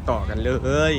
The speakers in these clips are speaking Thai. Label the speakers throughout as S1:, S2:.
S1: ต่อกันเลย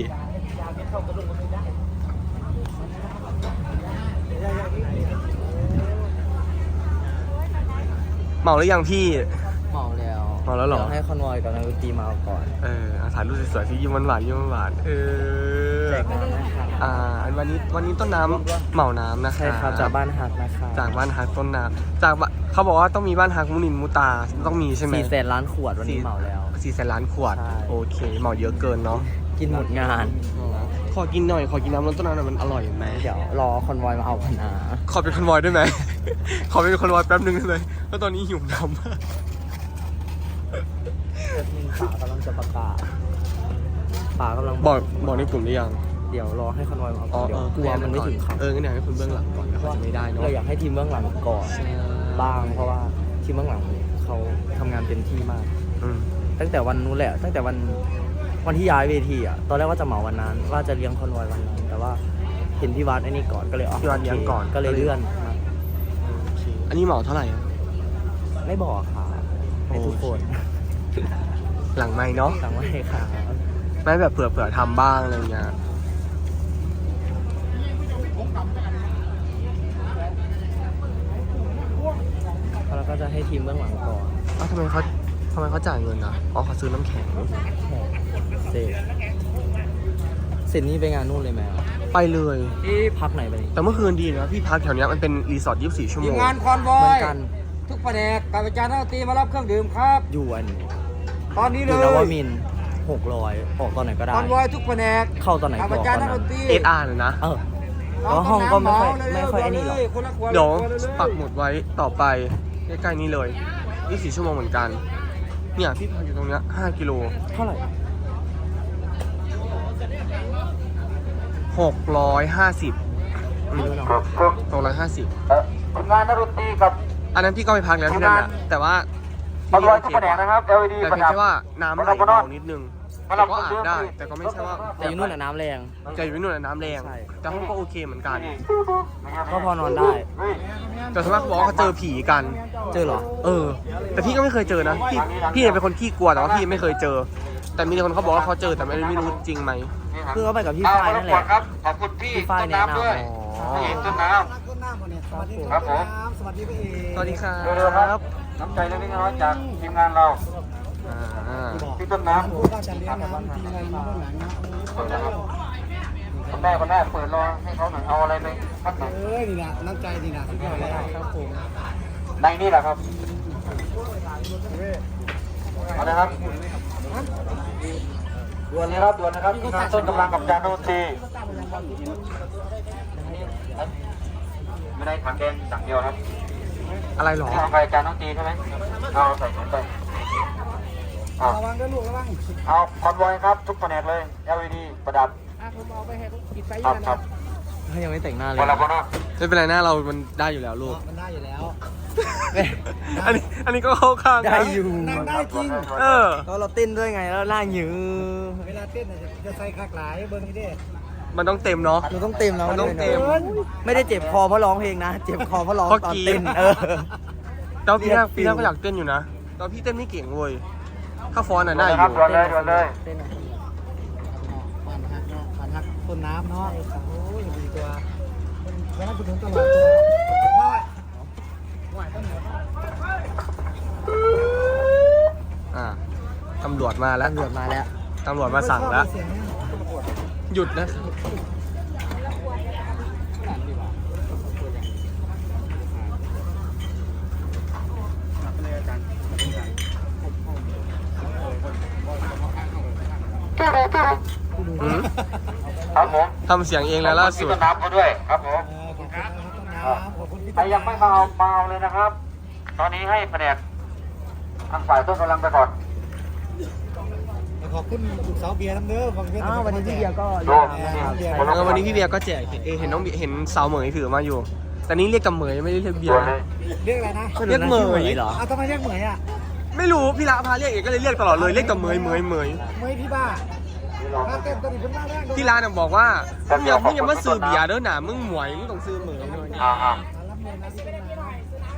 S1: เมาหรือยังพี่
S2: เมาแล้ว
S1: เมาแล้วเหรอ
S2: ให้คอนวอยกับนักดนตรีมาก่อน
S1: ถ่ายรูปสวยๆพี่ยิ้มหวานๆยิ้มหวาน
S2: แจกน้ำนะครับ
S1: วันนี้ต้นน้ำเหมาน้ำนะคะ
S2: ใช่ครับจากบ้านฮักนะคะ
S1: จากบ้านฮักต้นน้ำจากเขาบอกว่าต้องมีบ้านฮักมุนินมุตาต้องมีใช่ไหม
S2: 400,000 ล้านขวดวันนี้เหมาแล้ว
S1: 400,000 ล้านขวดโอเคเหมาเยอะเกินเนาะ
S2: กินหมดงาน
S1: ขอกินหน่อยขอกินน้ำต้นน้ำหน่อยมันอร่อยไหม
S2: เดี๋ยวรอคอนวอยมาเอากันนะ
S1: ขอเป็นคอนวอยได้ไหมขอเป็นคอนวอยแป๊บนึงได้ไหมเพราะตอนนี้หิวน้ำมาก
S2: ป๋ากำลังจะประกาศป๋ากำลัง
S1: บอกในกลุ่มหรือยัง
S2: เดี๋ยวรอให้คอนวอยมาเอาเดี๋ยวกลัวมันไม่ถึงเขา
S1: งั้นอยากให้คุณเบื้องหลังก่อนเขาจะไม่ได้เนาะ
S2: เราอยากให้ทีมเบื้องหลังก่อนบ้างเพราะว่าทีมเบื้องหลังเขาทำงานเต็มที่มากตั้งแต่วันนู้นแหละตั้งแต่วันที่ย้ายเวทีอ่ะตอนแรกว่าจะเหมาวันนั้นว่าจะเลี้ยงคอนวอยวันนั้นแต่ว่าเห็นพี่วัดไอ้นี่ก่อนก็เลย
S1: พี่วัดเลี้ยงก่อน
S2: ก็เลยเลื่อน
S1: อันนี้เหมาเท่าไหร่
S2: ไม่บอกค่ะให้ทุกคน
S1: หลังไม่เนาะ
S2: หลังไม่ค่ะ
S1: ไม่แบบเผื่อทำบ้างอะไรเงี้ย
S2: แล้วก็จะให้ทีมเบื้องหลังก่อน
S1: ทำไมเขาจ่ายเงินอ่ะเขาซื้อน้ำแข็ง
S2: เสร็จนี่ไปงานนู่นเลยไหม
S1: ไปเลย
S2: ที่พักไหนไป
S1: แต่เมื่อคืนดีนะพี่พักแถวนี้มันเป็นรีสอร์ท24 ชั่วโมง
S3: งานคอนวอยเหมือนกันทุกแผนกการประจานนักดนตรีมารับเครื่องดื่มครับ
S2: อยู่
S3: ตอนนี้เลย
S2: นวมิน600ออกตอนไหนก็ได้
S3: คอนวอยทุกแผนก
S2: เข้าตอนไหนก็
S3: ประจานนักดนตรี
S1: SR เลยนะ
S2: แล้วห้องก็ไม่ค่อยไอ้นี่หรอก
S1: เดี๋ยวปักหมุดไว้ต่อไปใกล้ๆนี้เลย24 ชั่วโมงเหมือนกันเนี่ยพี่พักอยู่ตรงนี้5 กิโล
S2: เท่าไหร่
S1: 650
S3: งานนักดนตรีกับ
S1: อันนั้นพี่ก็ไปพักแล้วที่นั่นนะแต่ว่า
S3: คอนวอยทุกแผนกนะครับ LED
S1: แต่เพียงแค่ว่าน้ำไหลเบานิดนึงก็อาบได้แต่ก็ไม่ใช่ว่า
S2: แต่อยู่นู่นน้ำแรง
S1: แต่อยู่นู่นน้ำแรงแต่ห้องก็โอเคเหมือนกัน
S2: ก็พอนอนได้
S1: แต่ส่วนมากเขาบอกว่าเขาเจอผีกัน
S2: เจอเหรอ
S1: แต่พี่ก็ไม่เคยเจอนะพี่เป็นคนขี้กลัวแต่ว่าพี่ไม่เคยเจอแต่มีคนเขาบอกว่าเขาเจอแต่ไม่รู้จริงไหม
S2: คือเขาไปกับพี่ฝ้ายนั่นแหละ
S3: ขอบคุณพี่
S2: ฝ้ายแนะนำ
S3: ด้วยต้นน้ำครับผม
S1: สวัสดีครับ
S3: น้ำใจเล็กน้อยจากทีมงานเราพี่ต้นน้ำคุณแม่เปิดรอให้เขาหน่อยเอาอะไรไปพักหน่อย
S4: นี่นะน้ำใจนี่นะทุกอย่างเลยครับผม
S3: ในนี่แหละครับเอาเลยครับด่วนเลยครับด่วนนะครับต้นกำลังกับจานโนตีไม่ได้ถังแดงสั่งเดียวครับ
S1: อะไรหรอ
S3: เอาไปจานโนตีใช่ไหมเอาใส่ถุงไประ
S4: วังด้วยลูกระวัง
S3: เอาคอนวอยครับทุกแผนกเลย LED ประดับ
S4: ผมเอาไปให้ปิดไฟ
S3: ครับ
S2: ถ้ายังไม่แต่งหน้าเลย
S1: ไม่เป็นไรหน้าเรามันได้อยู่แล้วลูก
S4: มันได้อยู่แล้ว
S1: อันนี้ก็เข้าข้าง
S2: ได้อยู่
S4: ได้จริง
S2: ก็เราเต้นด้วยไงแล้วหน้าหยือ
S4: เวลาเต้นจะใส่คากหลายเบิ้งนี่ดิ
S1: มันต้องเต็มเนาะ
S2: มันต้องเต็มเนาะ
S1: มันต้องเต็ม
S2: ไม่ได้เจ็บคอเพราะร้องเพลงนะเจ็บคอเพราะร้องตอนเต้น
S1: แต่พี่แรกก็อยากเต้นอยู่นะตอนพี่เต้นไม่เก่งเว้ยถ้าฟอนน่ะได้อยู่
S3: ด่วนเลย
S4: บ้านฮักต้นน้ำเนาะโอ้ยดีตัวแล้วคุณถึงตลอด
S1: ตำรวจมาแล้วตำรวจมาสั่งแล้วหยุดนะ
S3: ครับผม
S1: ทำเสียงเองแล้วล่าสุด
S3: น้ำเขาด้วยครับผมใครยังไม่มาเอาเลยนะครับตอนนี้ให้แผนกทางฝ่ายต้นกำลังไปก่อน
S4: ขอบคุณสาวเบียร์ทั้งเด้อ
S2: วันนี้พี่เบียร์ก็
S1: วันนี้พี่เบียร์ก็แจกเห็นน้องเห็นสาวเหมยถือมาอยู่แต่นี้เรียกกับเหมยไม่ได้เรียกเบียร์
S4: เรียกอะไรนะ
S1: เรียกเหมย
S2: เหรอ
S4: ทำไมเรียกเหมย
S1: ไม่รู้พี่ละพาเรียกเอกก็เลยเรียกตลอดเลยเรียกกับเหมย
S4: พี่บ้า
S1: พี่ร้านบอกว่ามึงอย่ามาซื้อเบียร์เด้อหนามึงหมวยมึงต้องซื้อเหมยด้วย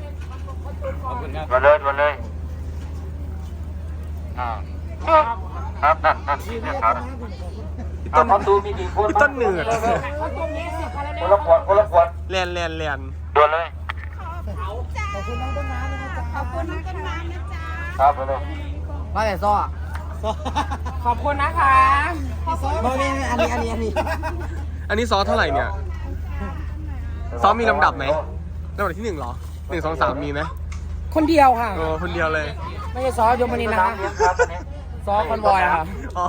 S3: มาเลยครับนั่นนี่ครับ
S1: พี่ต้น
S3: ประตูมีกี่คน
S1: พี่ต้นเหนือ
S3: คนละขวดคนละขวด
S1: แลนแลนแลน
S3: ด่วนเลย
S4: ขอบคุณน้องต้นน้ำนะจ๊ะขอบคุณน้องต้นน้ำนะจ๊ะ
S3: ครับเลย
S4: มาแต่ซ้อขอบคุณนะคะมาเนี่ยอันนี้
S1: อันนี้ซอสเท่าไหร่เนี่ย ซอสมีลำดับไหมลำดับที่1เหรอ1 2 3มีไหม
S4: คนเดียวค่ะ
S1: คนเดียวเลย
S4: ไม่ใช่ซอยมนินนะคะซอคอนบอยค่ะ
S1: อ๋อ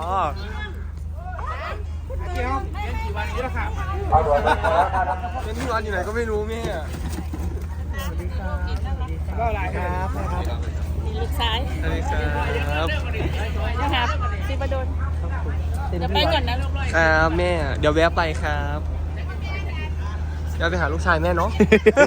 S3: เอาด่วนเลย
S1: เป็นที่ร้านอยู่ไหนก็ไม่รู้แม่
S4: ก็อะไรครับ
S5: ลูกซ้าย
S1: สวัสดีครับ
S5: นะครับซีประดนเดี๋ยวไปก่อนนะลูกลอย
S1: ครับแม่ เดี๋ยวแวะไปครับเดี๋ยวไปหาลูกชายแม่เนาะ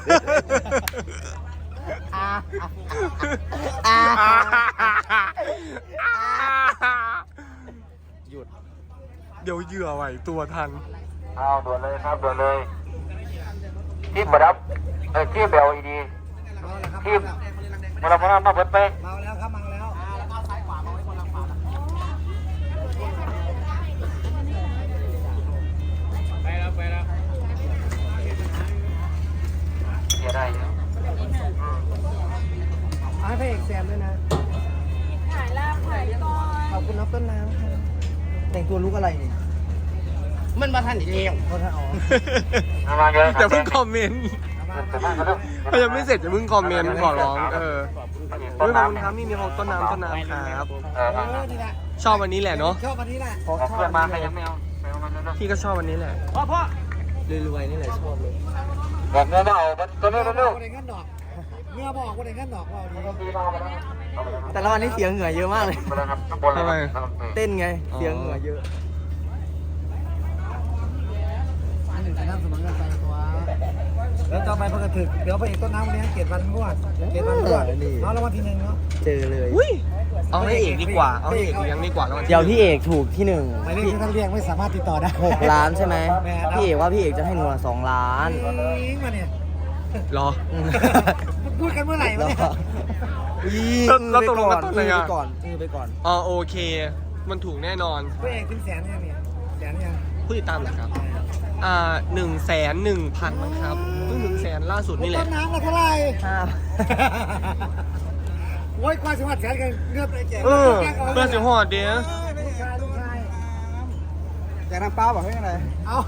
S2: หยุด
S1: เดี๋ยวเหยื่อไหวตัวทัน
S3: เอาด่วนเลยครับด่วนเลยที่ประดับที่เบลอีดีที่มาเรามาเปิดไป
S4: เมาแล้วครับเมาแล้ว
S3: เดี๋ยวได้
S4: ให้พระเอกแซมด้วยนะ
S5: ถ่ายลาบถ่ายก่อน
S4: ขอบคุณน้องต้นน้ำครับแต่งตัวลุกอะไรนี่มันมาทันอีกแล้วเพราะถ้าอ๋อ
S3: มาเยอะ
S1: อย่าเพิ่งคอมเมนต์
S3: แต่บ้านก็เริ่ม
S1: ถ้ายังไม่เสร็จอย่าเพิ่งคอมเมนต์ขอร้องขอบคุณครับมีของต้นน้ำครับ
S4: นี่แหละ
S1: ชอบวันนี้แหละเนาะ
S4: ชอบวันนี้แหละ
S3: เพื่อนมาใครยังไม่เอาไปเอามาเร็ว
S1: พี่ก็ชอบวันนี้แหละ
S2: รวยๆนี่แหละชอบเลย
S3: ๆแบบเนื้อเอาตัวเร็ว
S4: คนไหนงั้นดอกเมื่อบอกคนไหนงั้นดอกว่าดี
S3: ๆดีมากเลยนะ
S2: แต่ละวันนี้เสียงเหงื่อเยอะมากเลย
S3: ไปแล้วครับข้างบนเลยครับ
S2: เต้นไง เสียงเหงื่อเยอะ
S4: อันหนึ่งจะนั่งสมัครกันไปตัวแล้วต่อไปพอกระถึกเดี๋ยวพระเอกต้นน้ำวันนี้เกตวันรวดเกตวันรวดเอาแล้ววันที่1เนาะ
S2: เจอเลย
S1: เอาให้เอกดีกว่า เอาให้เอกเลี้ยงดีกว่าแล้ว
S2: เดี๋ยวพี่เอกถูกที่หนึ่ง
S4: หมายเลขที่ท่านเรียกไม่สามารถติดต่อได้
S2: 6 ล้านใช่ไหม พี่เอกว่าพี่เอกจะให้หนู2 ล้าน
S4: มาเนี่ย
S1: รอ
S4: พูดกันเมื่อไหร่วะเนี่ย
S1: แล้วตกลงกันตอนไหนอะ
S2: ก่อนไปก่อน
S1: อ๋อโอเค มันถูกแน่นอน
S4: พระเอกถึงแสนยังเนี่ยแสนยัง
S1: ผู้ติดตามเหรอครับ101,000มั้งครับเพิ่ง100,000ล่าสุดนี่แห
S4: ต้
S1: ละ
S4: นน้ำละเท่าไหร่
S2: 5
S4: โอ้ยกว่าสิบวัดแสนกันเงือบไปแจก
S1: เพื่อนสิหอดเดีย
S4: ลูกชายแจกน้ำเปล่าบอกให้อะไรเอา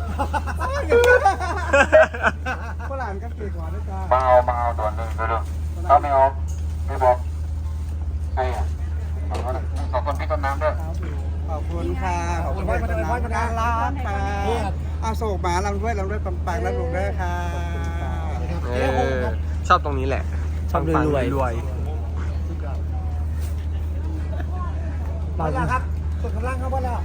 S4: ฝรั่งกับปีกหัวด้วยจ้า
S3: มาเอาด่วนเลยเร็วๆถ้าไม่เอาไม่บอกใครอ่ะขอบคุณพี่ต้นน้ำด้วย
S4: ขอบคุณค่ะขอบคุณพ่อมาพ่อมาร้านค่ะเอาโศกหมาลำด้วยปังๆแล้วลุงด้วยค่ะ
S1: ชอบตรงนี้แหละ
S2: ชอบรวย
S1: รวย
S4: มาแล้วครับกดกำลังครับว่าแล้ว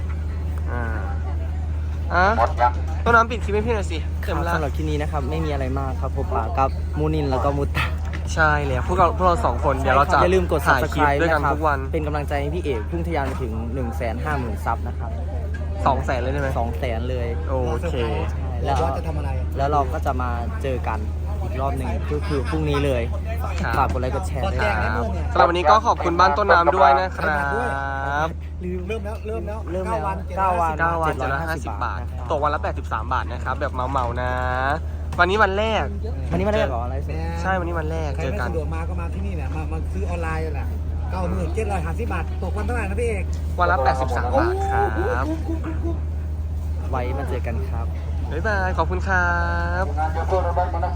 S3: หมดยัง
S1: ต้นน้ำปิดคลิปให้พี่หน่อยสิ
S2: ค
S1: เต็ม
S2: รับ
S1: ละ
S2: สำหรับที่นี้นะครับ ไม่มีอะไรมากครับพบปะกับมูนินแล้วก็มุตตา
S1: ใช่แล้วพวกเราสองคนเดี๋ยวเราจะ
S2: อย่าลืมกด
S1: ถ่ายคลิป
S2: subscribe
S1: ด้วยกัน
S2: นะครับ
S1: ทุกวัน
S2: เป็นกำลังใจให้พี่เอกเพิ่งทะยานไปถึง 150,000 ซับนะครับ
S1: 200,000เลยได้ไหม
S2: 200,000 เลย
S1: โอเค
S4: แล้วจะทำอะไร
S2: แล้วเราก็จะมาเจอกันอีกรอบหนึ่งก็คือพรุ่งนี้เลย
S1: ครับ
S2: ฝากกดไลค์กดแชร์ด้วย
S1: ค
S2: นะ
S1: รับ
S2: ครับ
S1: สำหรับวันนี้ก็ขอบคุณบ้านต้นน้ำด้วยนะครับ
S2: ลืม
S4: เริ่มแล้ว
S2: เริ่มแล้ว
S4: 9 วัน
S2: 9 วัน
S1: 9 วันจะละ50 บาท ตกวันละ83 บาทนะครับ แบบเมาๆนะ วันนี้วันแรก
S2: วันนี้มาได้ก่อนอะไรสิ
S1: ใช่วันนี้วันแรก
S4: ใคร
S1: เจอ
S4: ไม่
S1: กัน
S4: สะดวกมาก็มาที่นี่แหละมาซื้อออนไลน์แหละ9750 บาทตกวันเท่าไหร่นะพี่เอก
S1: วันละ83 บาทครับ
S2: ไว้มาเจอกันครับ
S1: บ๊ายบาย ขอบคุณครับ
S3: งานเยอะเพื่อนเราบ้างมานะ